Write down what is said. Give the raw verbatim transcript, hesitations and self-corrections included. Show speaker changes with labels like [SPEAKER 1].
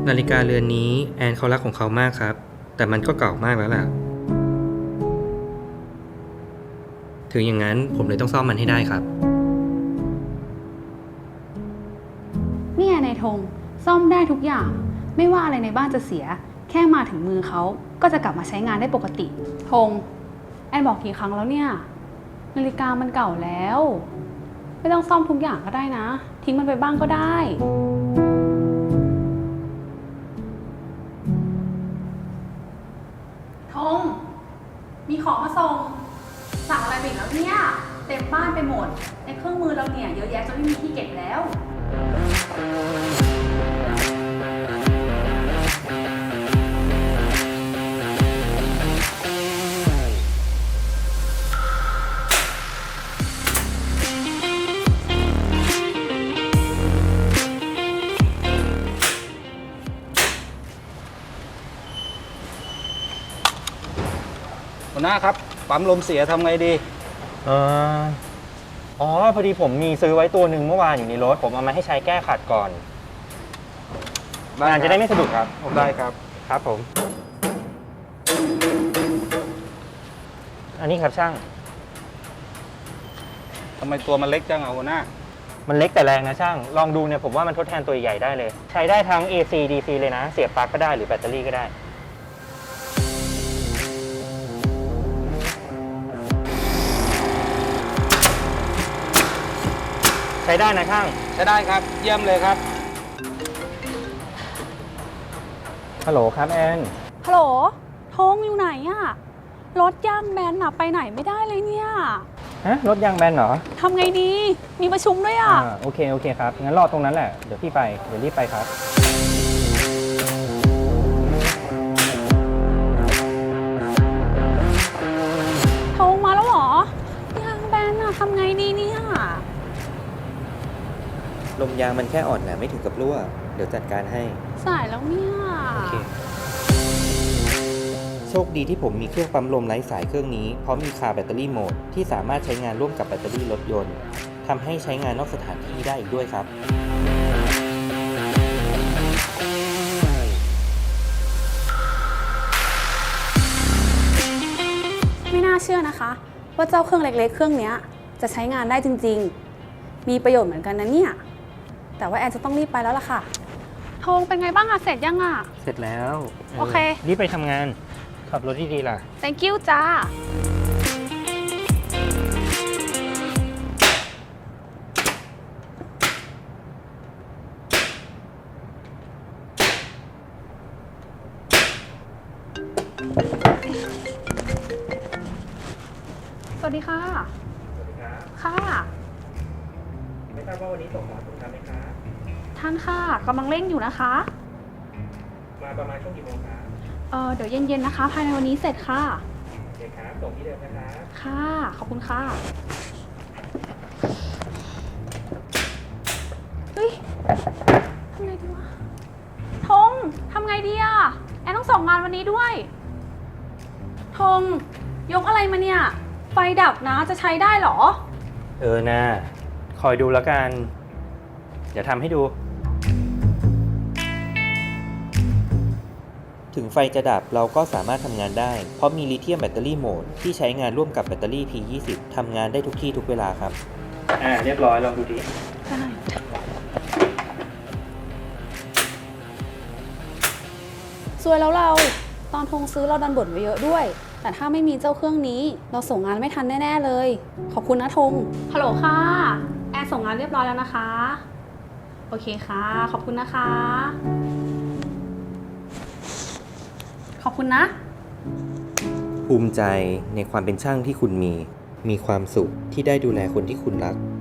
[SPEAKER 1] นาฬิกาเรือนนี้แอนเขารักของเขามากครับแต่มันก็เก่ามากแล้วล่ะถึงอย่างนั้นผมเลยต้องซ่อมมันให้ได้ครับ
[SPEAKER 2] เนี่ยนายธงซ่อมได้ทุกอย่างไม่ว่าอะไรในบ้านจะเสียแค่มาถึงมือเขาก็จะกลับมาใช้งานได้ปกติธงแอนบอกกี่ครั้งแล้วเนี่ยนาฬิกามันเก่าแล้วไม่ต้องซ่อมทุกอย่างก็ได้นะทิ้งมันไปบ้างก็ได้ธงมีของมาส่งสั่งอะไรไปอีกแล้วเนี่ยเต็มบ้านไปหมดในเครื่องมือเราเนี่ยเยอะแยะจนไม่มีที่เก็บแล้ว
[SPEAKER 3] หัวหน้าครับปั๊มลมเสียทำไงดี
[SPEAKER 4] เอออ๋อพอดีผมมีซื้อไว้ตัวหนึ่งเมื่อวานอยู่ในรถผมเอามาให้ใช้แก้ขัดก่อนงานจะได้ไม่สะดุดครับ
[SPEAKER 3] ได้ครับ
[SPEAKER 4] ครับผมอันนี้ครับช่าง
[SPEAKER 3] ทำไมตัวมันเล็กจังอ่ะหัวหน้า
[SPEAKER 4] มันเล็กแต่แรงนะช่างลองดูเนี่ยผมว่ามันทดแทนตัวใหญ่ได้เลยใช้ได้ทั้ง เอ ซี ดี ซี เลยนะเสียบปลั๊กก็ได้หรือแบตเตอรี่ก็ได้ใช้ได้นะช่าง
[SPEAKER 3] ใช้ได้ครับเยี่ยมเลยครับ
[SPEAKER 4] ฮัลโหลครับแอน
[SPEAKER 2] ฮัลโหลธงอยู่ไหนอะรถย่างแบนอะไปไหนไม่ได้เลยเนี่ย
[SPEAKER 4] ฮะรถยางแบนเหรอ
[SPEAKER 2] ทำไงดีมีประชุมด้วยอะ
[SPEAKER 4] อ่าโอเคโอเคครับงั้นรอตรงนั้นแหละเดี๋ยวพี่ไปเดี๋ยวรีบไปครับ
[SPEAKER 2] ธงมาแล้วเหรอยางแบนอะทำไงดีเนี่ย
[SPEAKER 1] ลมยางมันแค่อ่อนนะไม่ถึงกับรั่วเดี๋ยวจัดการให้
[SPEAKER 2] สายแล้วเนี่ย
[SPEAKER 1] โอเคโชคดีที่ผมมีเครื่องปั๊มลมไร้สายเครื่องนี้เพราะมีคาร์แบตเตอรี่โหมดที่สามารถใช้งานร่วมกับแบตเตอรี่รถยนต์ทำให้ใช้งานนอกสถานที่ได้อีกด้วยครับ
[SPEAKER 2] ไม่น่าเชื่อนะคะว่าเจ้าเครื่องเล็กๆเครื่องนี้จะใช้งานได้จริงๆมีประโยชน์เหมือนกันนะเนี่ยแต่ว่าแอนจะต้องรีบไปแล้วล่ะค่ะธงเป็นไงบ้างอะเสร็จยังอะ
[SPEAKER 4] เสร็จแล้ว
[SPEAKER 2] โอเค
[SPEAKER 4] รีบไปทำงานขับรถดีๆล่ะ
[SPEAKER 2] thank you จ้าสวัสดีค่ะ
[SPEAKER 4] สวัสดีครับ
[SPEAKER 2] ค่ะ
[SPEAKER 4] ไม่ทราบว่าวันนี้ส่งหมอถูกทำไหมคะ
[SPEAKER 2] ท่านค่ะกำลังเร่งอยู่นะคะ
[SPEAKER 4] มาประมาณช่วงกี่โมงคะ
[SPEAKER 2] เออเดี๋ยวเย็นๆนะคะภายในวันนี้เสร็จค่ะ
[SPEAKER 4] โอเคครับส่งที่เดิมนะคะ
[SPEAKER 2] ค่ะขอบคุณค่ะเฮ้ยทำไงดีวะธงทำไงดีอะแอนต้องส่งงานวันนี้ด้วยธงยกอะไรมาเนี่ยไฟดับนะจะใช้ได้หรอ
[SPEAKER 4] เออนะคอยดูแล้วกันเดี๋ยวทำให้ดู
[SPEAKER 1] ถึงไฟจะดับเราก็สามารถทำงานได้เพราะมีลิเธียมแบตเตอรี่โหมดที่ใช้งานร่วมกับแบตเตอรี่ พี ยี่สิบ ทำงานได้ทุกที่ทุกเวลาครับ
[SPEAKER 4] อ่าเรียบร้อยลองดูดิ
[SPEAKER 2] ได้สวยแล้วเราตอนธงซื้อเราดันบ่นไว้เยอะด้วยแต่ถ้าไม่มีเจ้าเครื่องนี้เราส่งงานไม่ทันแน่ๆเลยขอบคุณนะธงฮัลโหลค่ะแอนส่งงานเรียบร้อยแล้วนะคะโอเคค่ะขอบคุณนะคะขอบคุณนะ
[SPEAKER 1] ภูมิใจในความเป็นช่างที่คุณมีมีความสุขที่ได้ดูแลคนที่คุณรัก